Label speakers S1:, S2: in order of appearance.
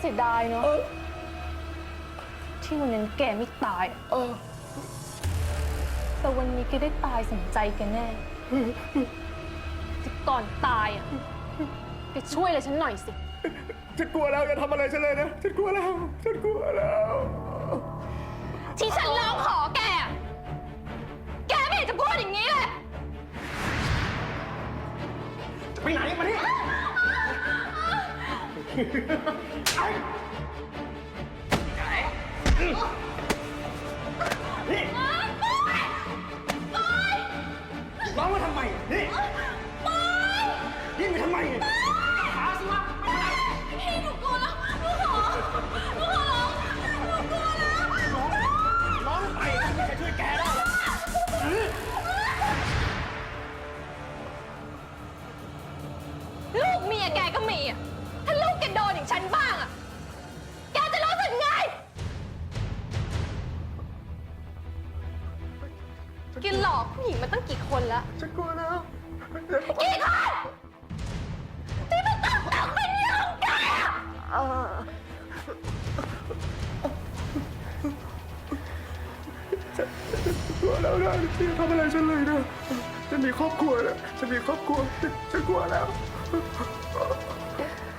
S1: เสียดายเนาะที่วันนั้นแกไม่ตายแต่วันนี้แกได้ตายสมใจแกแน่แต่ก่อนตายอ่ะแกช่วยอะไรฉันหน่อยสิ
S2: ฉันกลัวแล้วอย่าทำอะไรฉันเลยนะฉันกลัวแล้ว
S1: ที่ฉันร้องขอแกแกไม่เห็นจะพูดอย่างนี้เลย
S2: จะไปไหนมานี่นี่ร้องมาทำไมนี่ยิ่งไปทำไมหาสิวะ
S1: พี่หนูกลัวแล้วหนูขอร้องหนูกลัวแล้ว
S2: ร้องไปไม่มีใครช่วยแกได้หรอก
S1: ลูกเมียแกก็มีอ่ะถ้าลูกแกโดนอย่างฉันบ้างอ่ะแกจะรู้สึกไงแกหลอกผู้หญิงมาตั้งกี่คนแล้ว
S2: ฉันกลัวแล้ว
S1: กี่คนที่มันต้องตกเป็นเหยื่อของแก
S2: กลัวแล้วนะพี่ทำอะไรฉันเลยนะฉันมีครอบครัวนะฉันกลัวแล้ว